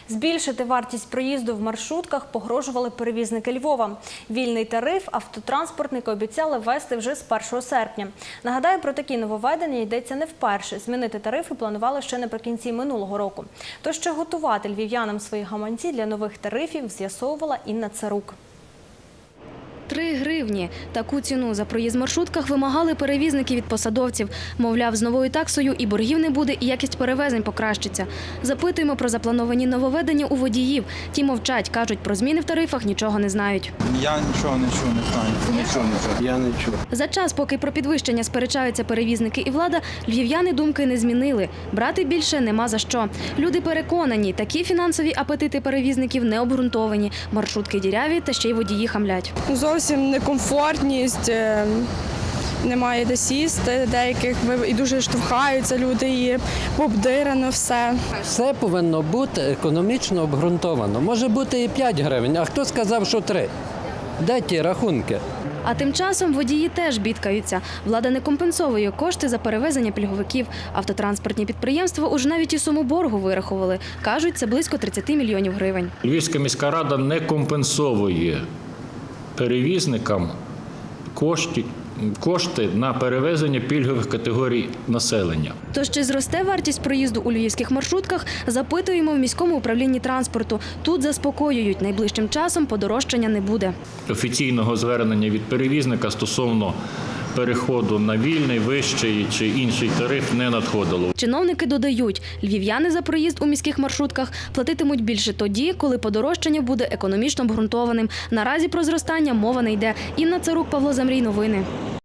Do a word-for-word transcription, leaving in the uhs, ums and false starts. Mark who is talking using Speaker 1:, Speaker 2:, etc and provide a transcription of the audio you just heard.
Speaker 1: Збільшити вартість проїзду в маршрутках погрожували перевізники Львова. Вільний тариф автотранспортники обіцяли ввести вже з першого серпня. Нагадаю, про такі нововведення йдеться не вперше. Змінити тарифи планували ще наприкінці минулого року. Тож, що готувати львів'янам свої гаманці для нових тарифів, з'ясовувала Інна Царук.
Speaker 2: Три гривні. Таку ціну за проїзд в маршрутках вимагали перевізники від посадовців. Мовляв, з новою таксою і боргів не буде, і якість перевезень покращиться. Запитуємо про заплановані нововведення у водіїв. Ті мовчать, кажуть, про зміни в тарифах нічого не знають.
Speaker 3: Я нічого не чув, не знаю. Нічого не чув. Я не чув.
Speaker 2: За час, поки про підвищення сперечаються перевізники і влада, львів'яни думки не змінили. Брати більше нема за що. Люди переконані, такі фінансові апетити перевізників не обґрунтовані. Маршрутки діряві та ще й водії хамлять.
Speaker 4: Зовсім некомфортність, немає де сісти, деяких і дуже штовхаються люди, і пообдирано все.
Speaker 5: Все повинно бути економічно обґрунтовано. Може бути і п'ять гривень, а хто сказав, що три? Де ті рахунки?
Speaker 2: А тим часом водії теж бідкаються. Влада не компенсовує кошти за перевезення пільговиків. Автотранспортні підприємства уже навіть і суму боргу вирахували. Кажуть, це близько тридцять мільйонів гривень.
Speaker 6: Львівська міська рада не компенсовує перевізникам кошти, кошти на перевезення пільгових категорій населення.
Speaker 2: Тож чи зросте вартість проїзду у львівських маршрутках, запитуємо в міському управлінні транспорту. Тут заспокоюють, найближчим часом подорожчання не буде.
Speaker 6: Офіційного звернення від перевізника стосовно переходу на вільний, вищий чи інший тариф не надходило.
Speaker 2: Чиновники додають, львів'яни за проїзд у міських маршрутках платитимуть більше тоді, коли подорожчання буде економічно обґрунтованим. Наразі про зростання мова не йде. Інна Царук, Павло Замрій, новини.